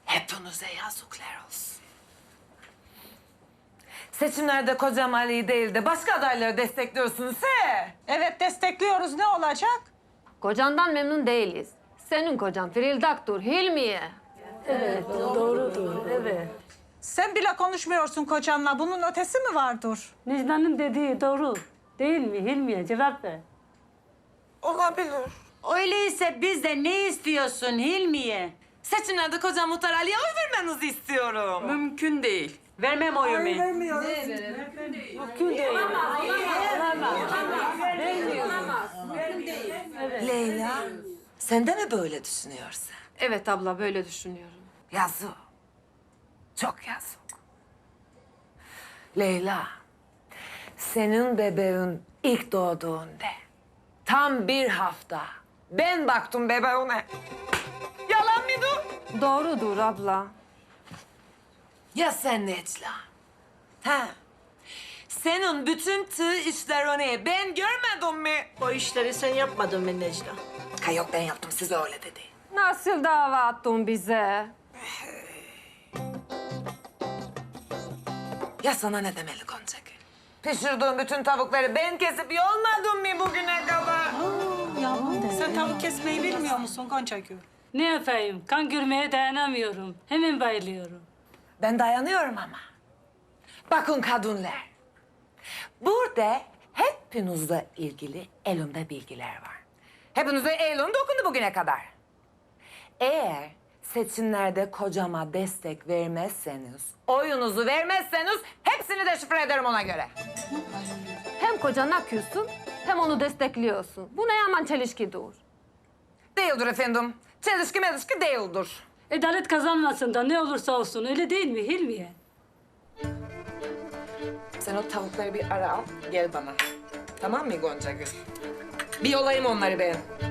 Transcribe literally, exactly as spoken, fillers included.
Hepinize yazıklar olsun. Seçimlerde kocam Ali'yi değil de başka adayları destekliyorsunuz he? Evet destekliyoruz, ne olacak? Kocandan memnun değiliz. Senin kocan Frildak'tur, Hilmiye. Sen bile konuşmuyorsun kocanla, bunun ötesi mi vardır? Necla'nın dediği doğru. Değil mi Hilmiye? Cevap ver. Olabilir. Öyleyse biz de ne istiyorsun Hilmiye? Seçimlerde kocam Muhtar Ali'ye oy vermenizi istiyorum. Mümkün değil. Vermem oyumu. Leyla, sen de mi böyle düşünüyorsun? Evet abla, böyle düşünüyorum. Yazık. Çok yazık. Leyla, senin bebeğin ilk doğduğunda tam bir hafta ben baktım bebeğine. Yalan mıydı? Doğrudur abla. Ya sen Necla? Ha? Senin bütün tığ işlerini ben görmedim mi? O işleri sen yapmadın mı Necla? Ha yok ben yaptım size öyle dedi. Nasıl dava attın bize? Ya sana ne demeli Goncagül? Pişirdiğim bütün tavukları ben kesip yolmadım mı bugüne kadar? Sen tavuk kesmeyi bilmiyor musun Goncagül? Ne yapayım? Kan görmeye dayanamıyorum. Hemen bayılıyorum. Ben dayanıyorum ama. Bakın kadınlar. Burada hepinizle ilgili elimde bilgiler var. Hepinize elim dokundu bugüne kadar. Eğer seçimlerde kocama destek vermezseniz, oyunuzu vermezseniz hepsini deşifre ederim ona göre. Hem kocana küssün, hem onu destekliyorsun. Bu ne yaman çelişkidir. Değildir efendim. Çelişki melişki değildir. Adalet kazanmasın da ne olursa olsun, öyle değil mi Hilmiye? Sen o tavukları bir ara al, gel bana. Tamam mı Goncagül? Bir yolayım onları ben.